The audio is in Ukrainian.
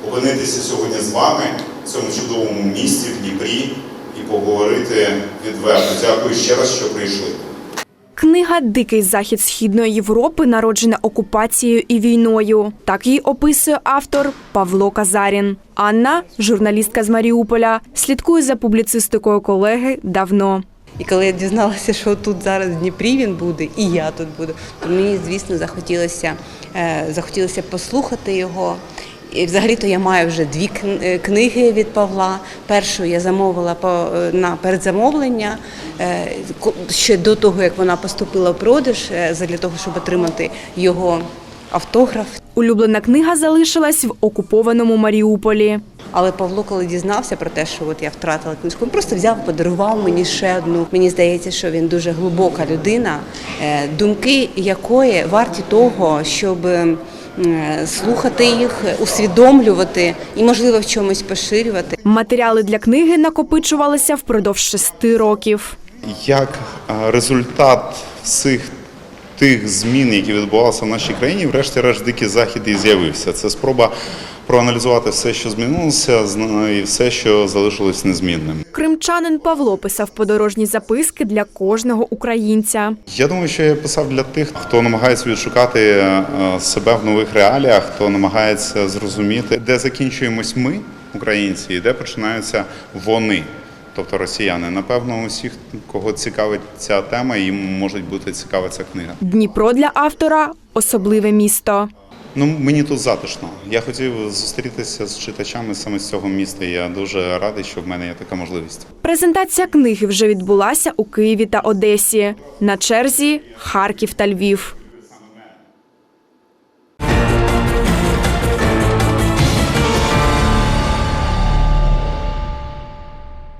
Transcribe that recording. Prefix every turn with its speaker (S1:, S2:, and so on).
S1: опинитися сьогодні з вами в цьому чудовому місті, в Дніпрі, і поговорити відверто. Дякую ще раз, що прийшли.
S2: Книга «Дикий захід Східної Європи» народжена окупацією і війною. Так її описує автор Павло Казарін. Анна, журналістка з Маріуполя, слідкує за публіцистикою колеги давно.
S3: І коли я дізналася, що тут зараз в Дніпрі він буде, і я тут буду, то мені, звісно, захотілося послухати його. І взагалі-то я маю вже 2 книги від Павла. Першу я замовила на передзамовлення ще до того, як вона поступила в продаж, для того, щоб отримати його автограф.
S2: Улюблена книга залишилась в окупованому Маріуполі.
S3: Але Павло, коли дізнався про те, що я втратила книжку, він просто взяв, подарував мені ще одну. Мені здається, що він дуже глибока людина, думки якої варті того, щоб слухати їх, усвідомлювати і, можливо, в чомусь поширювати.
S2: Матеріали для книги накопичувалися впродовж 6 років.
S1: Як результат всіх тих змін, які відбувалися в нашій країні, врешті-решт «Дикий захід» і з'явився. Це спроба проаналізувати все, що змінилося, і все, що залишилось незмінним.
S2: Кримчанин Павло писав подорожні записки для кожного українця.
S1: Я думаю, що я писав для тих, хто намагається відшукати себе в нових реаліях, хто намагається зрозуміти, де закінчуємось ми, українці, і де починаються вони, тобто росіяни. Напевно, усіх, кого цікавить ця тема, їм може бути цікава ця книга.
S2: Дніпро для автора – особливе місто.
S1: Мені тут затишно. Я хотів зустрітися з читачами саме з цього міста. Я дуже радий, що в мене є така можливість.
S2: Презентація книги вже відбулася у Києві та Одесі. На черзі – Харків та Львів.